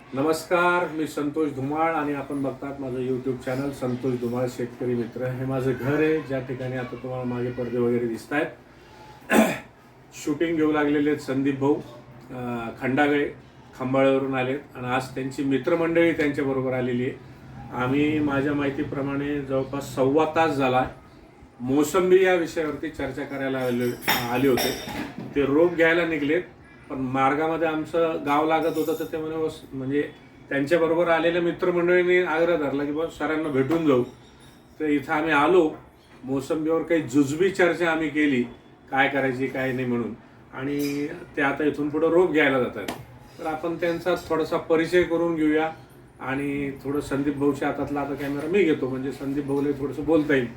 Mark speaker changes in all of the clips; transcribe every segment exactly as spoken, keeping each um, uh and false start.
Speaker 1: नमस्कार, मी संतोष धुमाळ आणि आपण बघतात माझं यूट्यूब चॅनल संतोष धुमाळ शेतकरी मित्र. हे माझं घर आहे ज्या ठिकाणी आता तुम्हाला मागे पडदे वगैरे दिसत आहेत. शूटिंग घेऊ लागलेले आहेत संदीप भाऊ खंडागळे, खंबाळ्यावरून आलेत आणि आज त्यांची मित्रमंडळी त्यांच्याबरोबर आलेली आहे. आम्ही माझ्या माहितीप्रमाणे जवळपास सव्वा तास झाला मोसंबी या विषयावरती चर्चा करायला आले आले होते. ते रोप घ्यायला निघलेत, पण मार्गामध्ये आमचं गाव लागत होतं, तर ते म्हणे म्हणजे त्यांच्याबरोबर आलेल्या मित्रमंडळींनी आग्रह धरला की बस सरांना भेटून जाऊ. तर इथं आम्ही आलो. मोसंबीवर काही जुजबी चर्चा आम्ही केली, काय करायची काय नाही म्हणून, आणि ते आता इथून पुढं रोप घ्यायला जातात. तर आपण त्यांचा थोडासा परिचय करून घेऊया आणि थोडं संदीप भाऊच्या हातातला आता कॅमेरा मी घेतो, म्हणजे संदीप भाऊला थोडंसं बोलता येईल.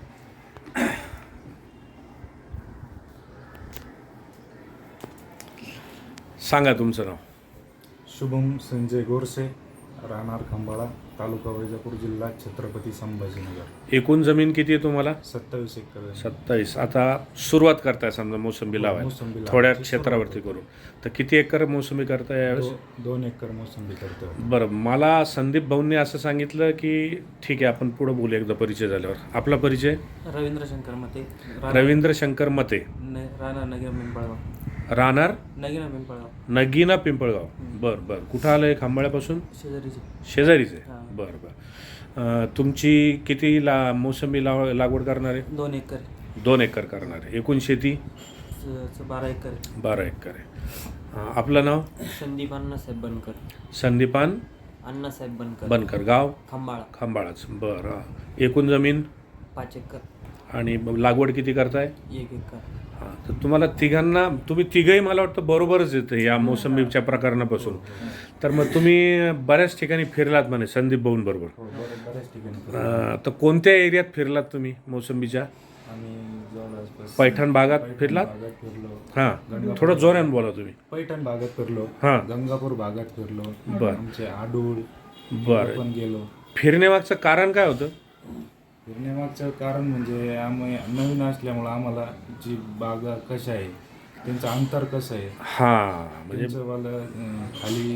Speaker 1: सांगा तुमचं नाव.
Speaker 2: शुभम संजय गोरसे, राहणार खंबाळा, तालुका वैजापूर, जिल्हा छत्रपती संभाजीनगर.
Speaker 1: एकूण जमीन किती आहे तुम्हाला?
Speaker 2: सत्तावीस एकर.
Speaker 1: सत्तावीस. आता सुरुवात करताय समजा मोसंबी लावायला, थोड्या क्षेत्रावरती करू, तर किती एकर मोसंबी करताय यावेळेस?
Speaker 2: दो, दोन एकर मोसंबी करतो.
Speaker 1: बरं, मला संदीप भाऊंनी असं सांगितलं की ठीक आहे आपण पुढं बोलू एकदा परिचय झाल्यावर. आपला परिचय?
Speaker 3: रवींद्र शंकर मते.
Speaker 1: रवींद्र शंकर मते,
Speaker 3: राहणार नगीना पिंपळगाव.
Speaker 1: राहणार
Speaker 3: नगीना पिंपळगाव.
Speaker 1: नगीना पिंपळगाव. बरं बरं. कुठं आलं आहे? खांबाळ्यापासून
Speaker 3: शेजारीचे.
Speaker 1: शेजारीच आहे. बरं बरं. तुमची किती ला मोसंबी लाव लागवड करणार आहे?
Speaker 3: दोन एकर.
Speaker 1: दोन एकर करणार आहे. एकूण शेती
Speaker 3: बारा एकर.
Speaker 1: बारा एकर आहे. आपलं नाव?
Speaker 3: संदीप अण्णासाहेब बनकर.
Speaker 1: संदीपान
Speaker 3: अण्णासाहेब बनकर.
Speaker 1: बनकर. गाव?
Speaker 3: खंबाळा.
Speaker 1: खंबाळाच. बरं. एकूण जमीन?
Speaker 3: पाच एकर.
Speaker 1: आणि लागवड किती करताय?
Speaker 3: एक एकर.
Speaker 1: हां, तर तुम्हाला तिघांना, तुम्ही तिघंही मला वाटतं बरोबरच येतं या मोसंबीच्या प्रकरणापासून. तर मग तुम्ही बऱ्याच ठिकाणी फिरलात म्हणे संदीप भाऊंबरोबर.
Speaker 2: बऱ्याच ठिकाणी.
Speaker 1: तर कोणत्या एरियात फिरलात तुम्ही मोसंबीच्या?
Speaker 2: आम्ही जवळपास
Speaker 1: पैठण भागात फिरलात?
Speaker 2: भागात फिरलो.
Speaker 1: हां, थोडं जोरानं बोला तुम्ही.
Speaker 2: पैठण भागात फिरलो.
Speaker 1: हां.
Speaker 2: गंगापूर भागात फिरलो.
Speaker 1: बरं.
Speaker 2: आमचे आडूळ
Speaker 1: बरं.
Speaker 2: पण गेलो.
Speaker 1: फिरण्यामागचं कारण काय होतं?
Speaker 2: फिरण्यामागचं कारण म्हणजे आम्ही नवीन असल्यामुळं आम्हाला जी बागा कशा आहे, त्यांचं अंतर कसं आहे,
Speaker 1: हां, म्हणजे
Speaker 2: त्यांचं वालं अं, खाली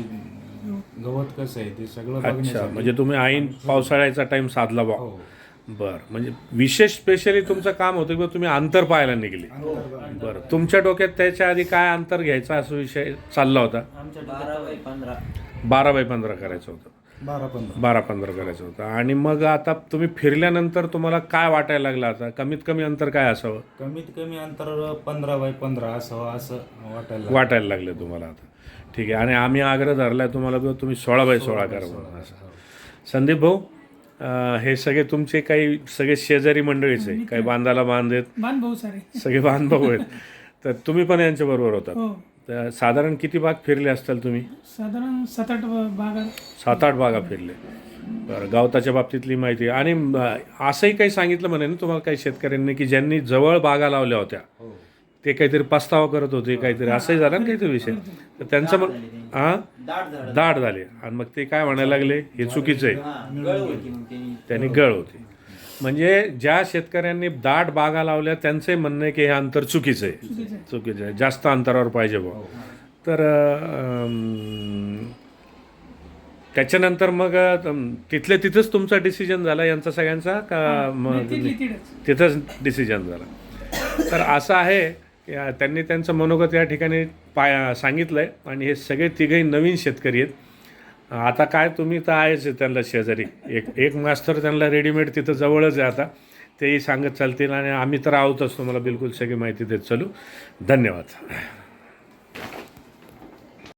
Speaker 2: गवत कसं आहे ते सगळं
Speaker 1: अच्छा,
Speaker 2: बघण्यासाठी.
Speaker 1: म्हणजे तुम्ही ऐन पावसाळ्याचा टाइम साधला बा.
Speaker 2: हो.
Speaker 1: बरं, म्हणजे विशेष स्पेशली तुमचं काम होतं की तुम्ही अंतर पाहायला निघले. बरं, तुमच्या डोक्यात त्याच्या आधी काय अंतर घ्यायचा असा विषय चालला होता?
Speaker 3: आमच्या बारा बाय पंधरा.
Speaker 1: बारा बाय पंधरा करायचं होतं.
Speaker 2: बारा पंधरा
Speaker 1: बारा पंधरा करायचं होतं. आणि मग आता तुम्ही फिरल्यानंतर तुम्हाला काय वाटायला लागलं? आता कमीत कमी अंतर काय असावं?
Speaker 2: कमीत कमी अंतर पंधरा बाय पंधरा असावं असं वाटायला लागलं.
Speaker 1: वाटायला लागलं तुम्हाला आता. ठीक आहे. आणि आम्ही आग्रह धरलाय तुम्हाला की तुम्ही सोळा बाय सोळा करा म्हणून. असं संदीप भाऊ, अं, हे सगळे तुमचे काही सगळे शेजारी मंडळीचे आहे, काही बांधाला बांध आहेत,
Speaker 4: बांध भाऊ सारे
Speaker 1: सगळे बांध भाऊ आहेत. तर तुम्ही पण यांच्याबरोबर होतात.
Speaker 4: हो,
Speaker 1: तर साधारण किती भाग फिरले असताल तुम्ही?
Speaker 4: साधारण सात आठ बागा.
Speaker 1: सात आठ बागा फिरले. बरं, गवताच्या बाबतीतली माहिती. आणि अं, असंही काही सांगितलं म्हणे ना तुम्हाला काही शेतकऱ्यांनी की ज्यांनी जवळ बागा लावल्या होत्या ते काहीतरी पस्तावा करत होते, काहीतरी असंही झालं ना काहीतरी विषय. तर त्यांचं मग हां दाट झाले आणि मग ते काय म्हणायला लागले हे चुकीचं आहे, त्यांनी गळ होती. म्हणजे ज्या शेतकऱ्यांनी दाट बागा लावल्या त्यांचंही म्हणणं आहे की हे अंतर चुकीचं आहे, चुकीचं आहे, जास्त अंतरावर पाहिजे भाऊ. तर अं, त्याच्यानंतर मग अं, तिथल्या तिथंच तुमचा डिसिजन झाला यांचा सगळ्यांचा का मग तिथंच डिसिजन झाला? तर असं आहे की त्यांनी त्यांचं मनोगत या ठिकाणी पाय सांगितलं आहे. आणि हे सगळे तिघही नवीन शेतकरी आहेत. आता काय तुम्ही तर आहेच त्यांना शेजारी, एक एक मास्तर त्यांना रेडीमेड तिथं जवळच आहे. आता तेही सांगत चालतील आणि आम्ही तर आहोतच, तुम्हाला बिलकुल सगळी माहिती देत चालू. धन्यवाद.